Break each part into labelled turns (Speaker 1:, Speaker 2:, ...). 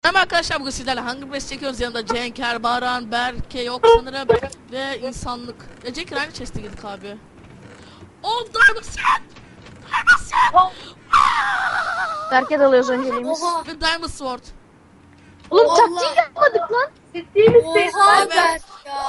Speaker 1: Merhaba arkadaşlar, bugün sizlerle Hunger Games çekiyoruz. Yanında Cenker, Baran, Berke yok sanırım ve insanlık. Ya Cenker aynı chest'e girdik abi. Oldu mısın?
Speaker 2: Berke dalıyoruz önceliğimiz.
Speaker 1: Ve Diamond Sword.
Speaker 2: Oğlum
Speaker 3: Allah.
Speaker 2: taktiği yapmadık lan.
Speaker 4: Ciddi misin?
Speaker 3: Oha
Speaker 1: Evet.
Speaker 3: Berk ya.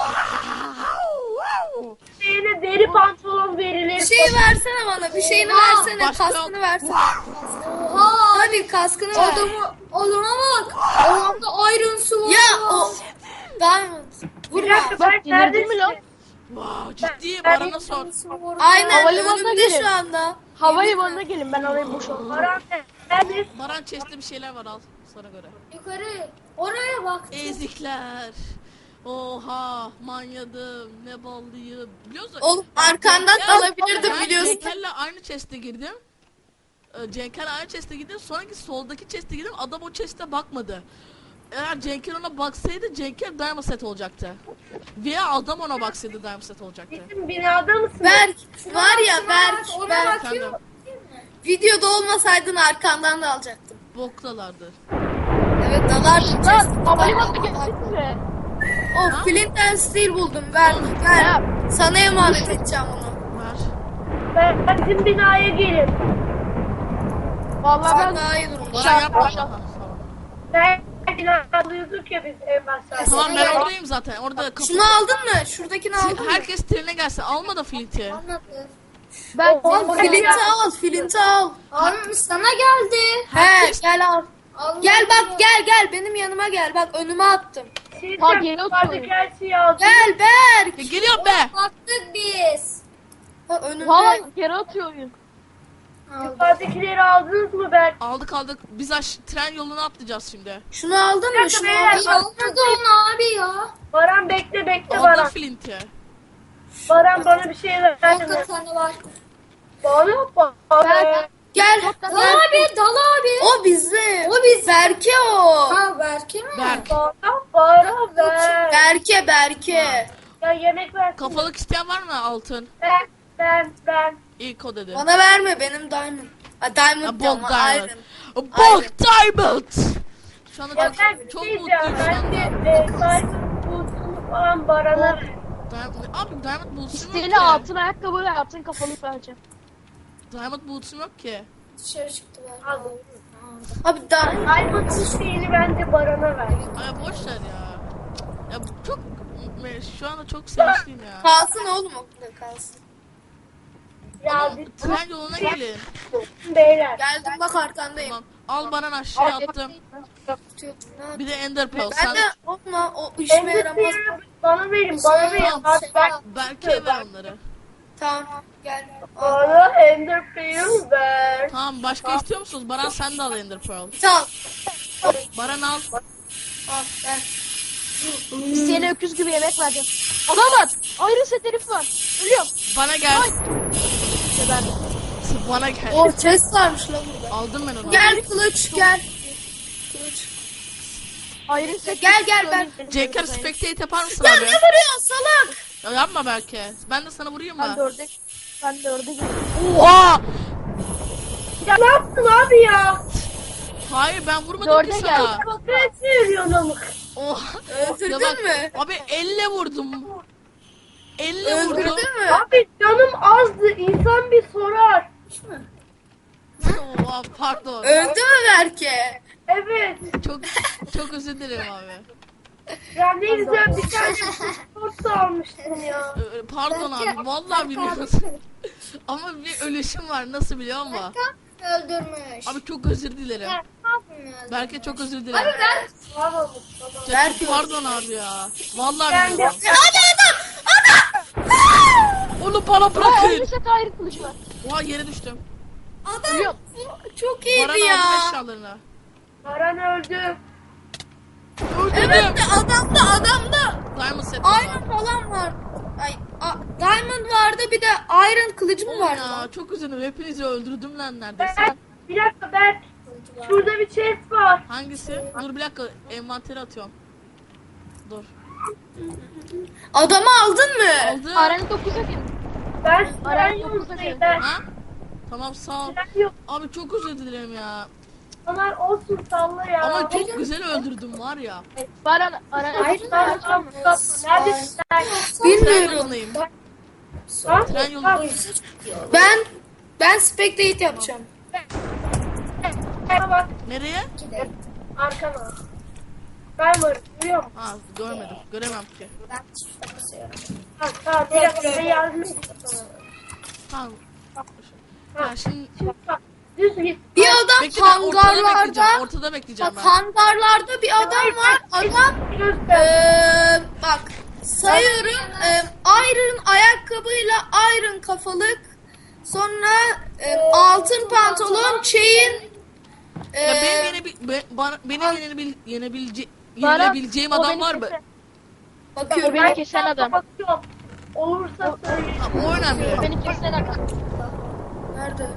Speaker 4: Şeyine deri pantolon verilir.
Speaker 3: Bir şey versene bana. Bir şeyini versene.
Speaker 1: Başka
Speaker 3: Kaskını
Speaker 1: yok.
Speaker 3: versene. Oha. Hadi kaskını ver. Adama bak. Adamda Iron Sword. Ya o. Diamond.
Speaker 4: Bir
Speaker 3: Vurma.
Speaker 4: dakika
Speaker 2: Bak,
Speaker 4: ben
Speaker 2: delirdin mi lan?
Speaker 4: neredesin?
Speaker 1: Wow, ciddi Baran'a sor.
Speaker 3: Aynen
Speaker 2: Havalimanına
Speaker 3: önümde
Speaker 2: gelin.
Speaker 3: şu anda.
Speaker 2: Havalimanına gelin, ben orayı boşaltayım.
Speaker 4: Baran neredesin?
Speaker 1: Baran chest'te bir şeyler var, al sana göre.
Speaker 3: Yukarı. Oraya bak.
Speaker 1: Ezikler. Oha, manyadım, ne ballıyım. Biliyor musun?
Speaker 3: Oğlum arkandan
Speaker 1: Ya,
Speaker 3: alabilirdim
Speaker 1: ben
Speaker 3: biliyorsun.
Speaker 1: Cenker'le aynı chest'e girdim. Cenker aynı chest'e girdim. Sonraki soldaki chest'e girdim. Adam o chest'e bakmadı. Eğer Cenker ona baksaydı Cenker Diamond set olacaktı. Veya adam ona baksaydı Diamond set olacaktı.
Speaker 4: Bizim binada mısın?
Speaker 3: Berk var ya Berk. Berk.
Speaker 1: Efendim,
Speaker 3: Videoda olmasaydın arkandan da alacaktım.
Speaker 1: boktalardır.
Speaker 3: Evet dalardın.
Speaker 2: Lan havalimanına geldik mi?
Speaker 3: Oh Flint and Steel buldum. Ver. Ver. Sana emanet edeceğim onu.
Speaker 1: Ver.
Speaker 4: Bizim binaya gelin.
Speaker 2: Vallahi
Speaker 3: Sen
Speaker 2: ben
Speaker 3: daha iyi durumda.
Speaker 1: Baran yapma. Ha, tamam.
Speaker 4: Ben binalıyorduk ya biz en başta.
Speaker 1: Tamam, ben oradayım zaten. Orada kapı.
Speaker 3: Şunu aldın mı? Şuradakini aldın mı?
Speaker 1: Herkes trene gelsin. Alma da Flint'i.
Speaker 2: ben
Speaker 3: Flint'i al, Flint'i al.
Speaker 5: Abi sana geldi.
Speaker 3: He, gel al. Gel bak, gel benim yanıma gel. Bak önüme attım.
Speaker 2: Ha, geri
Speaker 4: Yukarıdaki
Speaker 2: oturuyor.
Speaker 4: her şeyi aldım.
Speaker 3: Gel Berk.
Speaker 1: Geliyorum be.
Speaker 5: Baktık biz.
Speaker 3: Ha, önümde.
Speaker 2: Valla geri atıyor oyun.
Speaker 4: Yukarıdakileri aldınız mı Berk?
Speaker 1: Aldık. Biz tren yoluna atlayacağız şimdi.
Speaker 3: Şunu aldın mı? Şunu
Speaker 4: beyler.
Speaker 3: aldın mı?
Speaker 5: Almadı onu abi ya.
Speaker 4: Baran bekle
Speaker 1: Aldım
Speaker 4: Baran.
Speaker 1: Flint'i.
Speaker 4: Baran bana bir şey ver.
Speaker 5: Kanka sana var.
Speaker 4: Bana bak.
Speaker 3: Gel.
Speaker 5: Dal abi, dal abi.
Speaker 3: O bizde.
Speaker 5: O biz.
Speaker 3: Berke o.
Speaker 5: Ha Berke mi?
Speaker 1: Berk.
Speaker 4: Bana ver.
Speaker 3: Berke.
Speaker 4: Ya yemek ver.
Speaker 1: Kafalık isteyen var mı altın?
Speaker 4: Ben.
Speaker 1: İlk o dedi.
Speaker 3: Bana verme benim diamond. Ha diamond
Speaker 1: Ha,
Speaker 3: diyorum.
Speaker 1: Bog
Speaker 3: ha,
Speaker 1: Diamond.
Speaker 3: Iron.
Speaker 1: Bog Diamond. Şu anda
Speaker 4: Ya ben
Speaker 1: çok, çok
Speaker 4: şey
Speaker 1: mutluyum
Speaker 4: diyeceğim.
Speaker 1: şu anda.
Speaker 4: Bence Diamond bulduğunu falan Baran'a ver.
Speaker 1: Abi Diamond Boots'um yok
Speaker 2: İsteyene
Speaker 1: ki.
Speaker 2: altın ayakkabı ve altın kafalık vereceğim.
Speaker 1: Diamond Boots'um yok ki.
Speaker 5: Dışarı çıktılar.
Speaker 4: Al.
Speaker 3: Abi diamond.
Speaker 4: Diamond isteğini bence Baran'a ver.
Speaker 1: Ay boş ver ya. Ya çok şu anda çok sevinçliyim ya.
Speaker 3: Kalsın oğlum okulda kalsın.
Speaker 4: Ya
Speaker 1: Oğlum, tren yoluna gelin.
Speaker 4: beyler.
Speaker 3: Geldim bak arkandayım.
Speaker 1: Tamam. Al bana aşağıya attım. Bir de Ender Pearl.
Speaker 3: Ben
Speaker 1: Sen
Speaker 3: de olma o işime yaramaz.
Speaker 4: Endüstriyi bana verin. Bana verin.
Speaker 1: Tamam.
Speaker 4: Hadi bak.
Speaker 1: Berke'ye ver onları.
Speaker 3: Tamam gel.
Speaker 4: Bana Enderpearl ver.
Speaker 1: Tamam, başka istiyor musunuz? Baran sen de al Ender Pearl.
Speaker 3: Tamam.
Speaker 1: Baran al.
Speaker 3: Al ver.
Speaker 2: İsteyene öküz gibi yemek vereceğim. Adam var. Ayrı set herif var. Ölüyorum.
Speaker 1: Bana gel.
Speaker 2: İşte ben.
Speaker 1: Bana gel.
Speaker 3: O chest varmış lan burada.
Speaker 1: Aldım ben onu.
Speaker 3: Gel kılıç gel. Kılıç.
Speaker 2: Ayrı set.
Speaker 3: Gel ben.
Speaker 1: Cenker spectate yapar mısın
Speaker 3: Ya
Speaker 1: abi?
Speaker 3: ne vuruyorsun salak?
Speaker 1: Ya yapma Berke. Ben de sana vurayım
Speaker 2: Ben
Speaker 1: mı?
Speaker 2: dörde. Ben dörde gidiyorum.
Speaker 1: Oha!
Speaker 4: Ya ne yaptın abi ya?
Speaker 1: Hayır, ben vurmadım
Speaker 2: Dörde
Speaker 1: ki
Speaker 2: gel.
Speaker 1: sana.
Speaker 4: Ne söylüyorsun amık?
Speaker 1: Oha!
Speaker 3: Öldürdün
Speaker 1: Ya bak,
Speaker 3: mü?
Speaker 1: Abi elle vurdum. Elle vurdum.
Speaker 3: Öldürdün mü?
Speaker 4: Abi canım azdı. İnsan bir sorar.
Speaker 1: Oha, pardon.
Speaker 3: Öldü mü Berke?
Speaker 4: Evet.
Speaker 1: Çok özür dilerim abi.
Speaker 4: Ya ne güzel bir tane sport almıştın ya.
Speaker 1: Pardon abi, vallahi bilmiyorum. Ama bir ölüşüm var, nasıl biliyor musun?
Speaker 5: Öldürmüş.
Speaker 1: Abi çok özür dilerim.
Speaker 5: Ne yapmıyorsun?
Speaker 1: Berke çok özür dilerim.
Speaker 4: Tamam.
Speaker 1: Berke pardon abi ya. Vallahi
Speaker 4: Ben de
Speaker 1: bilmiyorum. Onu bana
Speaker 2: Ayrı
Speaker 1: bırakın.
Speaker 2: set ayrı kılıç var.
Speaker 1: Oha, yere düştüm.
Speaker 3: Adam
Speaker 2: Ölüyorum.
Speaker 3: çok
Speaker 1: Baran
Speaker 3: iyiydi
Speaker 1: aldı
Speaker 3: ya.
Speaker 1: eşyalarını.
Speaker 4: Baran öldü.
Speaker 1: Öldürdüm.
Speaker 3: Evet de adamda
Speaker 1: Diamond set.
Speaker 3: Iron falan var. Ay, Diamond vardı bir de Iron kılıcı mı vardı?
Speaker 1: Ya çok üzüldüm. Hepinizi öldürdüm lan neredeyse.
Speaker 4: Berk, bir dakika Berk. Şurada bir chest var.
Speaker 1: Hangisi? Dur bir dakika, envanteri atıyorum. Dur.
Speaker 3: Adamı aldın mı?
Speaker 1: Aldım.
Speaker 2: Arena 9'a gelin.
Speaker 4: Ben
Speaker 2: Baran
Speaker 4: yok.
Speaker 2: dokuzda geldi.
Speaker 4: Ben
Speaker 1: Ha? Tamam, sağ ol.
Speaker 4: tren yok.
Speaker 1: Abi çok özür dilerim ya.
Speaker 4: Onlar olsun salla ya.
Speaker 1: Ama çok güzel öldürdüm var ya.
Speaker 2: Baran
Speaker 3: Iron
Speaker 4: Tamam, neredesin sen?
Speaker 1: Tren
Speaker 3: Bilmiyorum.
Speaker 1: yolundayım.
Speaker 4: Ha?
Speaker 1: Tren yolu.
Speaker 3: Ben spectate yapacağım.
Speaker 4: Bana bak
Speaker 1: Nereye?
Speaker 4: arkana. Ben varım biliyor musun?
Speaker 1: Ha görmedim. Göremem ki.
Speaker 5: Ben çift basıyorum.
Speaker 4: Ha biraz yardım et.
Speaker 1: Tamam. Ha şimdi
Speaker 4: Bak, düz git.
Speaker 3: Bir adam
Speaker 1: bekle ben ortada
Speaker 3: hangarlarda
Speaker 1: bekleyeceğim. Ortada bekleyeceğim
Speaker 3: bak
Speaker 1: ben.
Speaker 3: hangarlarda bir adam var. Adam bak sayıyorum. Iron ayakkabıyla iron kafalık. Sonra altın pantolon, chain.
Speaker 1: Ya benim yenebileceğim
Speaker 2: o
Speaker 1: adam
Speaker 2: beni
Speaker 1: var mı?
Speaker 2: kesen- O
Speaker 3: Bakıyorum.
Speaker 2: beni kesen adam.
Speaker 4: Bakıyorum. Olursa söyle.
Speaker 1: Ha, o önemli.
Speaker 2: O beni kesen adam.
Speaker 3: Nerede?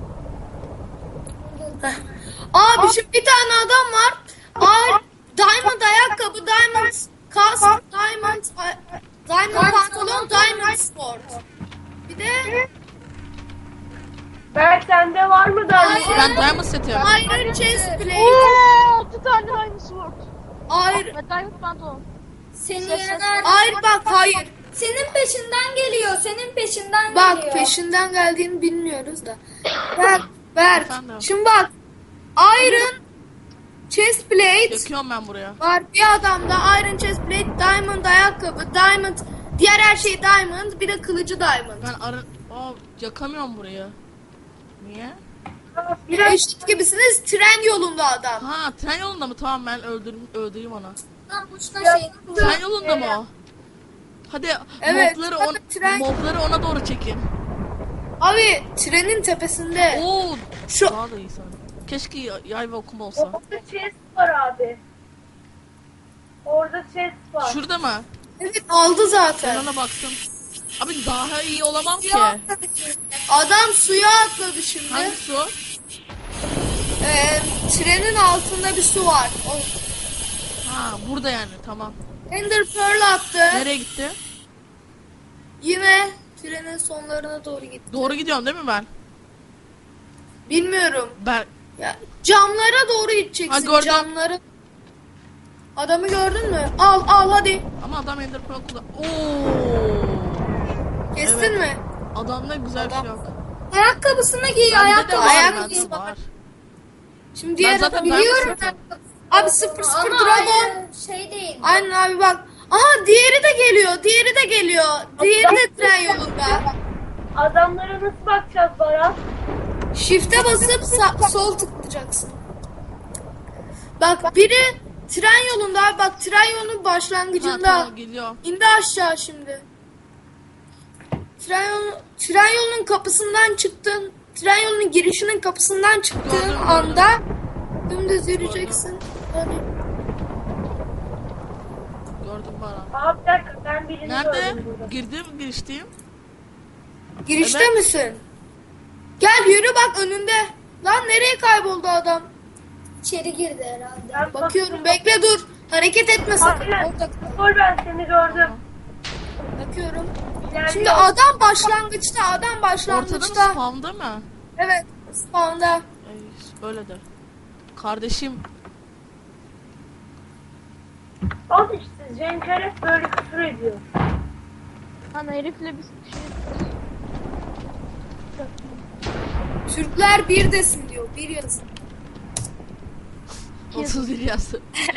Speaker 3: Heh. Abi şimdi bir tane adam var. Diamond ayakkabı, diamond kask, diamond pantolon, diamond sport. Bir de
Speaker 4: Berk sende var mı da?
Speaker 1: Ben diamond setim.
Speaker 3: iron chest plate,
Speaker 2: Ooo 6 tane diamond sword.
Speaker 3: iron,
Speaker 2: Ve diamond pantolon.
Speaker 5: Seni
Speaker 2: Ses-
Speaker 5: yener.
Speaker 3: iron bak hayır.
Speaker 5: Senin peşinden geliyor. Senin peşinden
Speaker 3: Bak
Speaker 5: geliyor.
Speaker 3: peşinden geldiğini bilmiyoruz da. Ver.
Speaker 1: Efendim?
Speaker 3: Şimdi bak. Iron chest plate
Speaker 1: Döküyorum ben buraya.
Speaker 3: var. Bir adamda iron chest plate, diamond ayakkabı, diamond diğer her şey diamond, bir de kılıcı diamond.
Speaker 1: Ben yakamıyorum burayı. Niye?
Speaker 4: Biraz
Speaker 3: Eşit gibisiniz, tren yolunda adam.
Speaker 1: Ha tren yolunda mı? Tamam ben öldüreyim onu.
Speaker 5: Lan boşuna şey.
Speaker 1: Tren yolunda mı o? Hadi
Speaker 3: Evet,
Speaker 1: mobları, mobları ona doğru çekin.
Speaker 3: Abi trenin tepesinde.
Speaker 1: Oo,
Speaker 3: Şu
Speaker 1: daha da iyi sanırım. Keşke yay ve okum olsa.
Speaker 4: orada chest var abi. Orada chest var.
Speaker 1: Şurada mı?
Speaker 3: evet aldı
Speaker 1: Ben
Speaker 3: zaten.
Speaker 1: ona baktım. Abi daha iyi olamam ki.
Speaker 3: Adam suya atladı şimdi.
Speaker 1: Hangi su?
Speaker 3: Trenin altında bir su var.
Speaker 1: Ha burada yani tamam.
Speaker 3: Ender Pearl attı.
Speaker 1: Nereye gitti?
Speaker 3: Yine trenin sonlarına doğru gitti.
Speaker 1: Doğru gidiyorum değil mi ben?
Speaker 3: Bilmiyorum.
Speaker 1: Ben
Speaker 3: Ya, camlara doğru
Speaker 1: Ha,
Speaker 3: gideceksin.
Speaker 1: gördüm.
Speaker 3: Camları. Adamı gördün mü? Al hadi.
Speaker 1: ama adam Ender Pearl kullan. Oo.
Speaker 3: Kestin
Speaker 1: Evet.
Speaker 3: mi?
Speaker 1: Adamda güzel bir şey yok.
Speaker 5: Ayakkabısını giy.
Speaker 1: Bende de
Speaker 5: Ayakkabı.
Speaker 1: var,
Speaker 3: ayakkabı
Speaker 1: bende de var.
Speaker 3: Şimdi
Speaker 1: Ben
Speaker 3: diğer
Speaker 1: zaten
Speaker 5: Biliyorum.
Speaker 1: ben
Speaker 3: Abi 0-0
Speaker 5: Ama
Speaker 3: Dragon.
Speaker 5: aynı şey değil.
Speaker 3: Aynen abi bak. Aha diğeri de geliyor. Diğeri de geliyor. Diğeri de tren yolunda.
Speaker 4: Adamlara nasıl bakacağız Baran?
Speaker 3: Shift'e basıp sol tıklayacaksın. Bak biri tren yolunda abi bak tren yolunun
Speaker 1: Ha,
Speaker 3: başlangıcında.
Speaker 1: tamam geliyor.
Speaker 3: İndi aşağı şimdi. Tren yolunun kapısından çıktın. Tren yolunun girişinin kapısından çıktığın
Speaker 1: Gördüm.
Speaker 3: anda dümdüz yürüyeceksin. Hadi.
Speaker 1: Gördüm bana.
Speaker 4: Abi bir dakika ben birini
Speaker 1: Nerede?
Speaker 4: gördüm burada.
Speaker 1: Girdim girişteyim.
Speaker 3: Girişte
Speaker 1: Evet.
Speaker 3: misin? Gel yürü bak önünde. Lan nereye kayboldu adam?
Speaker 5: İçeri girdi herhalde.
Speaker 4: Ben
Speaker 3: Bakıyorum bekle dur. Hareket etme sakın.
Speaker 4: Aynen.
Speaker 3: Orada
Speaker 4: Dur ben seni gördüm.
Speaker 3: bakıyorum.
Speaker 4: İlerliyor.
Speaker 3: Şimdi adam başlangıçta. Adam
Speaker 1: Ortada mı
Speaker 3: başlangıçta.
Speaker 1: spawn'da mı?
Speaker 3: Evet. Spawn'da.
Speaker 1: Öyledir. Kardeşim.
Speaker 4: Al işte Cenker hep böyle küfür ediyor.
Speaker 2: Lan herifle bir şey.
Speaker 3: Türkler bir desin diyor. Bir yazın.
Speaker 1: 31 yazdı.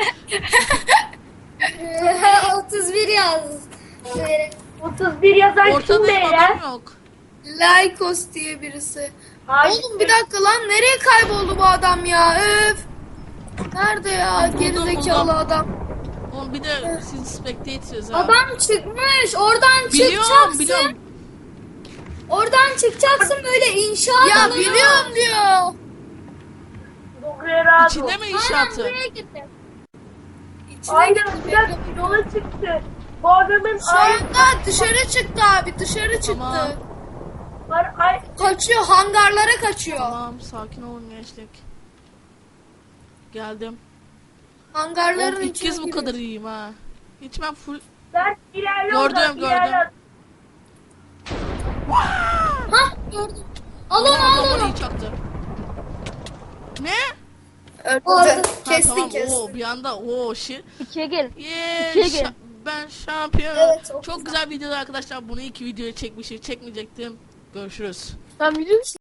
Speaker 5: 31 yaz. Şöyle.
Speaker 4: 31 yazan kim
Speaker 1: Ortadayım
Speaker 4: beyler?
Speaker 1: adam yok.
Speaker 3: Lycos diye birisi.
Speaker 4: Hayır.
Speaker 3: Oğlum bir dakika lan nereye kayboldu bu adam ya? Öf. Nerede ya gerizekalı
Speaker 1: buldum.
Speaker 3: adam?
Speaker 1: Oğlum bir de siz spectators ha.
Speaker 5: Adam çıkmış. Oradan
Speaker 1: Biliyorum
Speaker 5: çıkacaksın.
Speaker 1: biliyorum.
Speaker 5: Oradan çıkacaksın böyle inşaat
Speaker 3: Ya
Speaker 5: alanı.
Speaker 3: biliyorum diyor.
Speaker 4: Dogrerado.
Speaker 1: İçinde mi
Speaker 5: Aynen
Speaker 1: inşaatı?
Speaker 5: buraya gitti.
Speaker 3: İçine
Speaker 4: Aynen
Speaker 3: girdi,
Speaker 4: bir dakika
Speaker 3: bekle.
Speaker 4: yola çıktı. Bu adamın
Speaker 3: Şu anda dışarı çıktı abi dışarı çıktı.
Speaker 1: Tamam.
Speaker 4: ay
Speaker 3: Kaçıyor hangarlara kaçıyor.
Speaker 1: Tamam sakin olun gençlik. Geldim.
Speaker 3: Hangarların
Speaker 1: Oğlum ilk
Speaker 3: içine
Speaker 1: kez bu
Speaker 3: giriyor.
Speaker 1: kadar iyiyim ha. Hiç ben full...
Speaker 4: Berk ilerle
Speaker 1: Gördüm,
Speaker 4: oradan,
Speaker 1: gördüm.
Speaker 4: ilerle.
Speaker 5: Hah gördüm. Al onu al
Speaker 1: Bombayı
Speaker 5: onu.
Speaker 1: çaktı. Ne?
Speaker 3: Öldürdü.
Speaker 5: Orada-
Speaker 3: Kestin
Speaker 1: Tamam.
Speaker 3: kestin.
Speaker 1: Oo, bir anda o shit.
Speaker 2: 2'ye gel.
Speaker 1: Yeah,
Speaker 2: İkiye gel.
Speaker 1: ben şampiyon.
Speaker 5: Evet, çok
Speaker 1: çok güzel videolar arkadaşlar. Bunu iki videoya çekmişim. Çekmeyecektim. Görüşürüz.
Speaker 2: Tamam, video